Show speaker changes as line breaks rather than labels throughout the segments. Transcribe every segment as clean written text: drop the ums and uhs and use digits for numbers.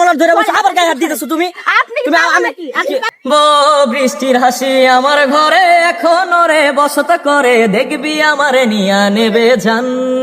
মলার ধরে বসে আবার গায়ে হাত দিতেছো তুমি। বৃষ্টির হাসি আমার ঘরে এখন রে বসত করে, দেখবি আমারে নিয়া নেবে জান।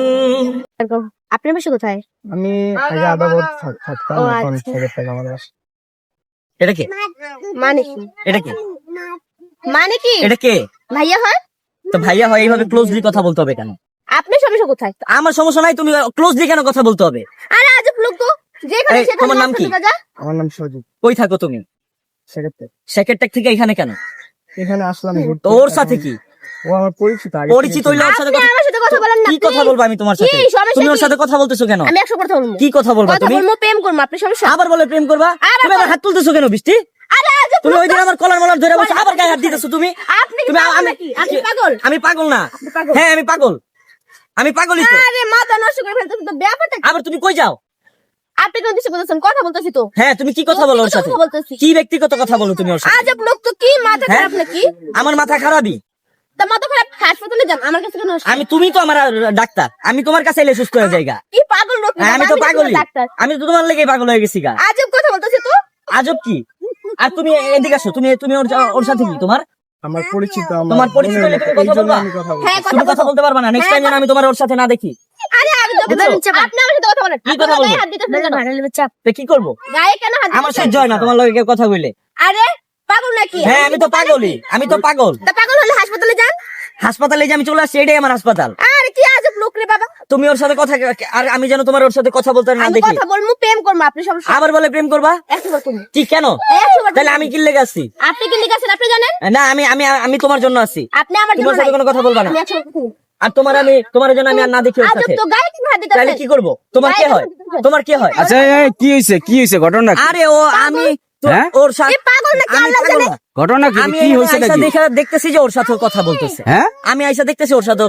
আপনার বাসা কোথায়?
আমি আগে আদাবত থাকতাম, এখন ছেড়ে থেকে আমার বাসা।
এটা কে?
মানে কি?
এটা কে?
মানে কি?
এটা কে?
ভাইয়া হয়
তো ভাইয়া হয়, এইভাবে ক্লোজলি কথা বলতে হবে কেন?
আপনার সমস্যা কোথায়?
আমার সমস্যা নাই, তুমি ক্লোজলি কেন কথা বলতে হবে?
আরে আজব লোক তো, যেখানে সেখানে
তোমার নাম কি?
আমার নাম সজিব।
কই থাকো তুমি? সেক্রেটারি থেকে এখানে কেন?
এখানে আসলাম ঘুরতে।
তো ওর সাথে কি
ও আমার পরিচিত, আগে
পরিচিত হইলে ওর সাথে
আপনি আমার সাথে কথা বলেন না।
কি কথা বলবো আমি তোমার সাথে?
কি সমস্যা
তুমি ওর
কি?
সাথে কথা বলতেছো কেন?
আমি 100 কথা বলবো।
কি কথা বলবা
কথা
তুমি?
বলবো, প্রেম করবো। আপনার সমস্যা?
আবার বলে প্রেম করবা? তুমি আবার হাত তুলতেছো কেন বৃষ্টি?
আরে আজব
তুমি
লোক
ওই দিন
তো।
আমার কলার মলার ধরে বসে আবার গায়ে হাত দিতেছো তুমি।
আপনি কি পাগল নাকি? আপনি পাগল?
আমি পাগল না।
পাগল।
হ্যাঁ আমি পাগল, আমি পাগলই তো।
আরে মাথা নষ্ট করে ফেলতেছেন তো, ব্যাপারটা কি?
আবার তুমি কই যাও?
আপনি কোন দিকে বলতেছেন? কথা বলতেছি তো।
হ্যাঁ তুমি কি কথা বলো ওর সাথে?
কথা বলতেছি।
কি ব্যক্তিগত কথা বলো তুমি ওর সাথে?
আজব লোক তো, কি মাথা
হ্যাঁ?
খারাপ নাকি?
আমার মাথা খারাপই।
তা মাথা খারাপ, হাসপাতালে যান, আমার কাছে কেন আসছেন?
তুমি তো আমার ডাক্তার, আমি তোমার কাছে এলে সুস্থ হয়ে যাইগা।
কি পাগল লোক?
হ্যাঁ, আমি তো পাগলই,
ডাক্তার।
আমি তো তোমার লেগে পাগল হয়ে গেছি গা।
আজব কথা বলতেছি তো।
আজব কি? আর তুমি এদিকে আসো, তুমি তুমি ওর সাথে কি তোমার
আমার পরিচিত, আমার
তোমার পরিচিত হলে তুমি
এই
কথা
জন্য
বলবা?
আমি কথা বলছি।
হ্যাঁ,
তুমি কথা বলতে পারবা না। নেক্সট টাইম যেন আমি তোমার ওর সাথে না দেখি।
আরে আমি তো
বুঝছো?
আপনি আমার সাথে কথা বলেন।
কি কথা
আপনার গায়ে
বলবো?
হাত দিতেছেন কেন?
তো কি করবো?
গায়ে কেন হাত
আমার
দিতেছেন?
সহ্য হয় না তোমার লগে কেউ কথা বললে।
আরে পাগল নাকি?
হ্যাঁ আমি তো পাগলই, আমি তো পাগল।
তা পাগল হলে হাসপাতালে যান।
হাসপাতালে যে আমি চলে আসছি, এটাই আমার হাসপাতাল।
আরে কি আজব লোক রে বাবা।
তুমি ওর সাথে কথা, আর আমি যেন তোমার ওর সাথে কথা বলতে না
আমি
দেখি।
কথা বলবো, প্রেম করবো। আপনি সমস্যা?
আবার বলে প্রেম করবা?
100 বার করবো।
কি কেন?
100 বার
তাহলে
করবো।
আমি কি লেগে আসছি?
আপনি কি লিখে আছেন আপনি জানেন?
না আমি আমি আমি তোমার জন্য আছি।
আপনি আমার
তোমার
জন্য
সাথে
নাই।
কোনো কথা বলবা না।
আমি 100 বার করবো।
আর তোমার জন্য আমি আর না দেখি ওর
আজব
সাথে।
তো, গায়ে কেন হাত
তাহলে
দিতেছেন?
কি করবো? তোমার কে হয়? তোমার কে হয়?
আচ্ছা কি হয়েছে ঘটনা কি?
আরে ও আমি
হ্যাঁ?
ওর সাথে
এ পাগল নাকি?
আমি
আল্লাহ
পাগল
জানে।
না।
ঘটনা কি?
আমি
কি
এখানে
হয়েছে
আইসা
নাকি?
দেখতেছি যে ওর সাথে কথা বলতেছে।
হ্যাঁ,
আমি আইসা দেখতেছি ওর সাথে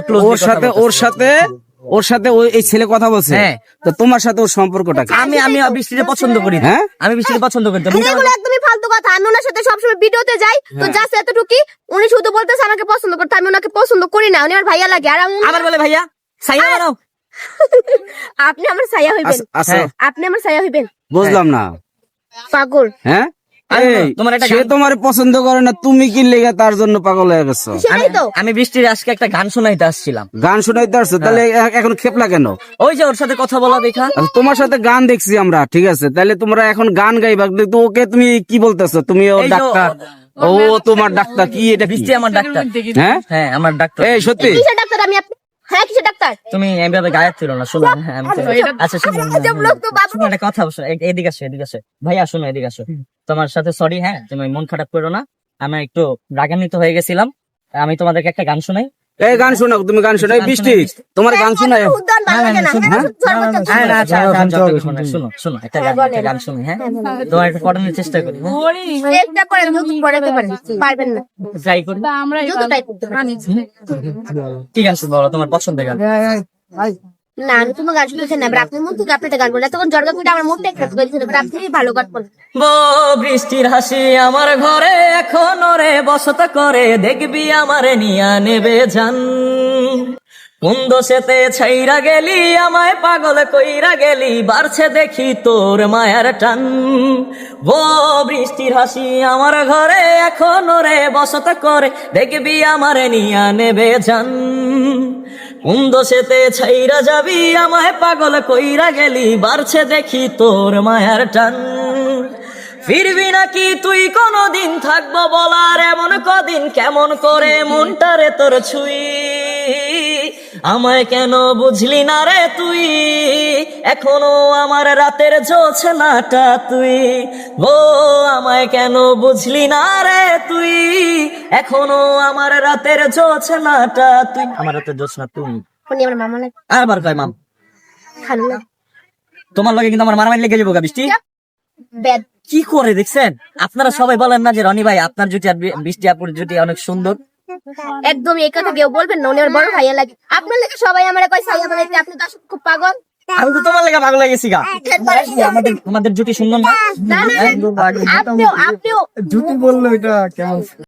ওর সাথে এই ছেলে কথা বলছে।
হ্যাঁ।
তো তোমার সাথে ওর সম্পর্কটা কি?
আমি বৃষ্টিকে পছন্দ করি না।
হ্যাঁ?
আমি বৃষ্টিকে পছন্দ করি না।
এগুলো একদমই ফালতু কথা। আমি ওনার সাথে সবসময় ভিডিওতে যাই তো, জাস্ট এতটুকুই। উনি শুধু বলতেছে আমাকে পছন্দ করতে, আমি ওনাকে পছন্দ করি না। উনি আমার ভাইয়া লাগে। আর
আবার বলে ভাইয়া সাইয়া বানাও।
আপনি আমার ছায়া হইবেন।
আচ্ছা
হ্যাঁ।
আপনি আমার ছায়া হইবেন।
বুঝলাম না।
পাগল।
হ্যাঁ,
আরে
এই,
তোমার একটা
সে
গান-
তোমার পছন্দ করে না, তুমি কি লেগে তার জন্য পাগল হয়ে গেছো?
সেটাই তো।
আমি বৃষ্টির আজকে একটা গান শোনাইতে আসছিলাম।
গান শোনাইতে আসছো, তাহলে এখন খেপলা কেন?
ওই যে ওর সাথে কথা বলা দেখা।
আচ্ছা, তোমার সাথে গান দেখছি আমরা, ঠিক আছে, তাহলে তোমরা এখন গান গাইবা, কিন্তু ওকে তুমি কি বলতেছো? তুমি ও
এই যে
ডাক্তার, ও তোমার ডাক্তার, কি এটা কি?
বৃষ্টি আমার ডাক্তার।
হ্যাঁ,
হ্যাঁ আমার ডাক্তার।
এই সত্যি?
কিসের ডাক্তার? আমি আপনি? হ্যাঁ, কিসের ডাক্তার?
তুমি এভাবে গায়ে ছিল না, শোনো। হ্যাঁ আমি আচ্ছা শোনো,
আজব লোক তো বাবা।
শোনো একটা কথা শোনো, এদিকে আসো ভাইয়া, শোনো এদিকে আসো। তোমার সাথে সরি, হ্যাঁ তুমি মন খারাপ করো না। আমি একটু রাগান্বিত হয়ে গেছিলাম। আমি তোমাদেরকে একটা গান শোনাই।
এই গান শোনাও, তুমি গান শোনাই।
গান
বৃষ্টি,
শোনাই,
তোমার গান শোনায়?
উদ্যান ভালো লাগে না।
হ্যাঁ,
সর্বোচ্চ
হ্যাঁ, না, আচ্ছা, আচ্ছা,
গান
যতটুকু
শোনাও।
শোনো একটা গান শুনি। হ্যাঁ তোমার একটা পড়ানোর চেষ্টা করি।
চেষ্টা করেন, যত পড়াতে পারেন। পারবেন না,
ট্রাই করি।
যত ট্রাই করতে পারেন।
ঠিক আছে বলো তোমার পছন্দের গান।
না, আমি কোনো গান শুনতে চাই না। এবার আপনি মন থেকে আপনি একটা গান বলেন। তখন জর্গা করে আমার মনটা একটা করেছিল। এবার আপনি ভালো গান বলেন।
বৃষ্টির হাসি আমার ঘরে এখন রে বসত করে, দেখবি আমারে নিয়া নেবে জান। কোন দোষেতে ছাইরা গেলি, আমায় পাগল কইরা গেলি, বাড়ছে দেখি তোর মায়ার টান। বৃষ্টির হাসি আমার ঘরে এখন রে বসত করে, দেখবি আমারে নিয়া নেবে জান। কোন দোষেতে ছাইরা যাবি, আমায় পাগল কইরা গেলি, বাড়ছে দেখি তোর মায়ার টান। ফিরবি নাকি তুই কোনদিন, থাকবো বলার এমন কদিন, কেমন করে মনটারে তোর ছুই। আমায় কেন বুঝলি না রে তুই, এখনো আমার রাতের জোছনাটা তুই। আমায় কেন বুঝলি না রে তুই, এখনো আমার রাতের জোছনাটা তুই। আমার রাতের জোছনা তুই।
উনি আমার মামা লাগে।
আবার কয় মাম,
খালু না,
তোমার লগে কিন্তু আমার মারামারি লেগে যাবো গা বৃষ্টি।
ব্যাড।
কি করে দেখছেন? আপনারা সবাই বলেন না যে রনি ভাই আপনার জুটি আর বৃষ্টি আপুর জুটি অনেক সুন্দর।
একদম এই কথা কেউ বলবেন না। উনি আমার বড় ভাইয়া লাগে। আপনার লাগে সবাই আমার কয় ছায়া বানাইতে। আপনি তো আসলে খুব পাগল।
আমি তো তোমার লেগে পাগল হয়ে গেছি গা। তোমাদের জুটি সুন্দর না?
না, না, আপনিও
জুটি বললো এটা কেমন?